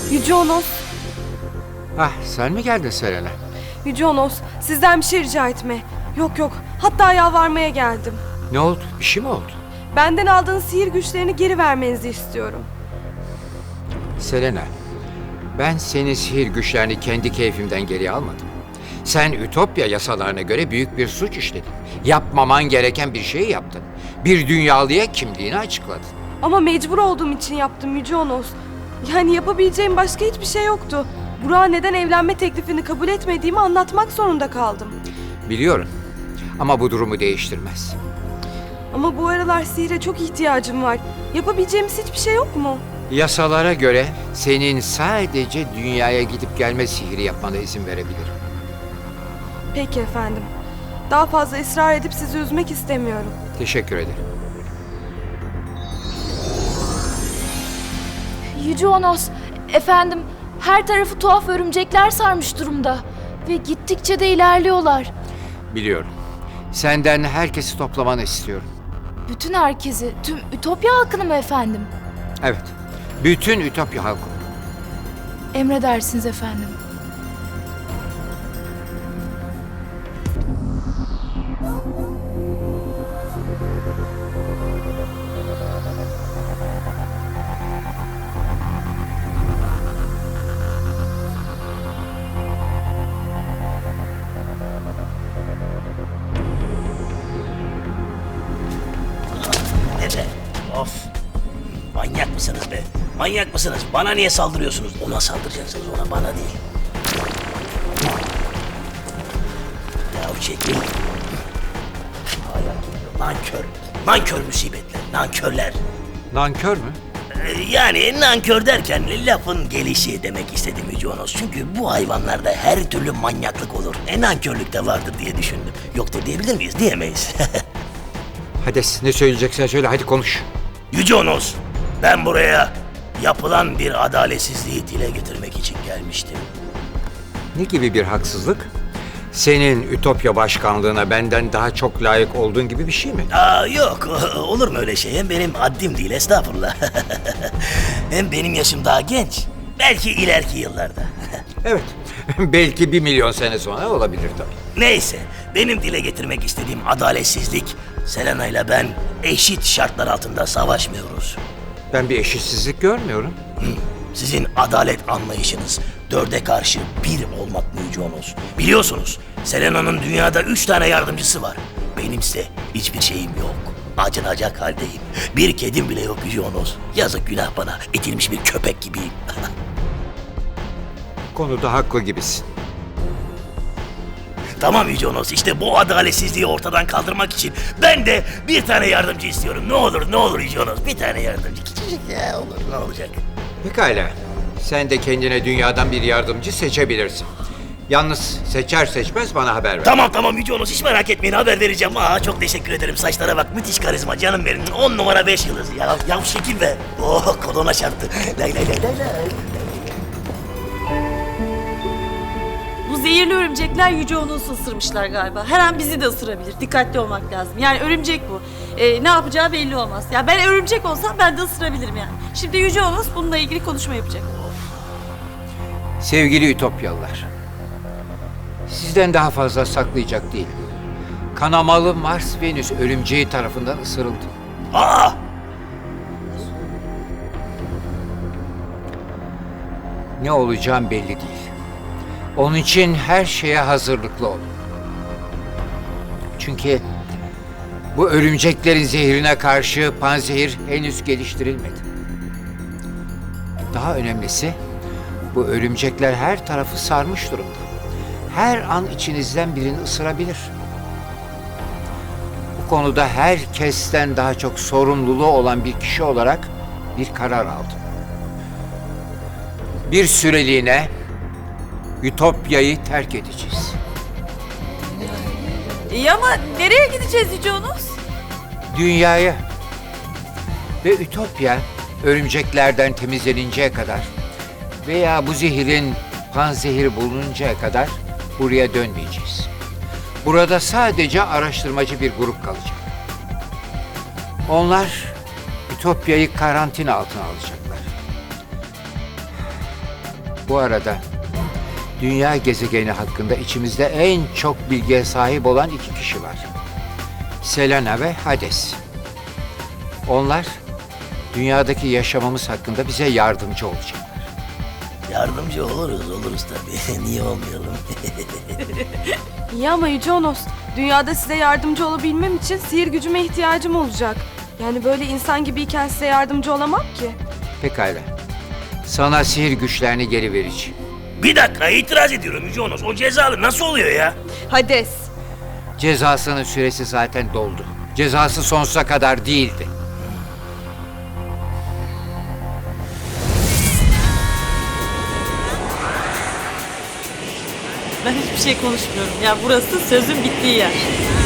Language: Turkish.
Yüce Onos, Ah, sen mi geldin Selena? Yüce Onos, sizden bir şey rica etme. Yok, hatta yalvarmaya geldim. Ne oldu? Bir şey mi oldu? Benden aldığınız sihir güçlerini geri vermenizi istiyorum. Selena, ben senin sihir güçlerini kendi keyfimden geri almadım. Sen Ütopya yasalarına göre büyük bir suç işledin. Yapmaman gereken bir şeyi yaptın. Bir dünyalıya kimliğini açıkladın. Ama mecbur olduğum için yaptım Yüce Onos. Yani yapabileceğim başka hiçbir şey yoktu. Burak'a neden evlenme teklifini kabul etmediğimi anlatmak zorunda kaldım. Biliyorum ama bu durumu değiştirmez. Ama bu aralar sihire çok ihtiyacım var. Yapabileceğimiz hiçbir şey yok mu? Yasalara göre senin sadece dünyaya gidip gelme sihiri yapmana izin verebilirim. Peki efendim. Daha fazla ısrar edip sizi üzmek istemiyorum. Teşekkür ederim. Yüce Onos, efendim her tarafı tuhaf örümcekler sarmış durumda. Ve gittikçe de ilerliyorlar. Biliyorum. Senden herkesi toplamanı istiyorum. Bütün herkesi, tüm Ütopya halkını mı efendim? Evet. Bütün Ütopya halkı. Emredersiniz efendim. Ne be? Of! Manyak mısınız be? Manyak mısınız? Bana niye saldırıyorsunuz? Ona saldıracaksınız, ona, bana değil. Ya çekil. Nankör. Nankör musibetler, nankörler. Nankör mü? Yani nankör derken lafın gelişi demek istedim Yüce Onos. Çünkü bu hayvanlarda her türlü manyaklık olur. Nankörlük de vardır diye düşündüm. Yoktur diyebilir miyiz? Diyemeyiz. Hades, ne söyleyeceksen söyle, hadi konuş. Yüce Onos, ben buraya yapılan bir adaletsizliği dile getirmek için gelmiştim. Ne gibi bir haksızlık? Senin Ütopya başkanlığına benden daha çok layık olduğun gibi bir şey mi? Yok, olur mu öyle şey? Hem benim haddim değil, estağfurullah. Hem benim yaşım daha genç. Belki ileriki yıllarda. Evet, belki 1 milyon sene sonra olabilir tabii. Neyse, benim dile getirmek istediğim adaletsizlik, Selena ile ben eşit şartlar altında savaşmıyoruz. Ben bir eşitsizlik görmüyorum. Sizin adalet anlayışınız 4'e karşı 1 olmak mı Yüce Onos? Biliyorsunuz, Selena'nın dünyada 3 tane yardımcısı var. Benimse hiçbir şeyim yok. Acınacak haldeyim. Bir kedim bile yok Yüce Onos. Yazık, günah bana. Etilmiş bir köpek gibiyim. Konuda haklı gibisin. Tamam Yüce Onos, işte bu adaletsizliği ortadan kaldırmak için ben de bir tane yardımcı istiyorum. Ne olur Yüce Onos, bir tane yardımcı. Küçücük ya, olur, ne olacak? Pekala, sen de kendine dünyadan bir yardımcı seçebilirsin. Yalnız seçer seçmez bana haber ver. Tamam Yüce Onos, hiç merak etmeyin, haber vereceğim. Çok teşekkür ederim, saçlara bak, müthiş karizma canım benim. 10 numara 5 yıldız ya. Ya şekil be. Oh, kolona çarptı. Lay lay lay lay lay. Bu zehirli örümcekler Yüce Onos'u ısırmışlar galiba. Her an bizi de ısırabilir. Dikkatli olmak lazım. Yani örümcek bu. Ne yapacağı belli olmaz. Ya ben örümcek olsam ben de ısırabilirim yani. Şimdi Yüce Onos bununla ilgili konuşma yapacak. Sevgili Ütopyalılar, sizden daha fazla saklayacak değilim. Kanamalı Mars Venüs örümceği tarafından ısırıldım. Aa! Ne olacağım belli değil. Onun için her şeye hazırlıklı olun. Çünkü bu örümceklerin zehrine karşı panzehir henüz geliştirilmedi. Daha önemlisi, bu örümcekler her tarafı sarmış durumda. Her an içinizden birini ısırabilir. Bu konuda herkesten daha çok sorumluluğu olan bir kişi olarak bir karar aldım. Bir süreliğine Ütopya'yı terk edeceğiz. İyi ama nereye gideceğiz Yüce Onos? Dünyaya ve Ütopya örümceklerden temizleninceye kadar veya bu zehirin panzehiri bulununcaya kadar buraya dönmeyeceğiz. Burada sadece araştırmacı bir grup kalacak. Onlar Ütopya'yı karantina altına alacaklar. Bu arada dünya gezegeni hakkında içimizde en çok bilgiye sahip olan iki kişi var. Selena ve Hades. Onlar dünyadaki yaşamamız hakkında bize yardımcı olacaklar. Yardımcı oluruz tabii. Niye olmayalım? İyi ama Yüce Onos, dünyada size yardımcı olabilmem için sihir gücüme ihtiyacım olacak. Yani böyle insan gibiyken size yardımcı olamam ki. Pekala. Sana sihir güçlerini geri vereceğim. Bir dakika, itiraz ediyorum Yüce Onos. O cezalı nasıl oluyor ya? Hades. Cezasının süresi zaten doldu. Cezası sonsuza kadar değildi. Ben hiçbir şey konuşmuyorum. Ya burası sözün bittiği yer.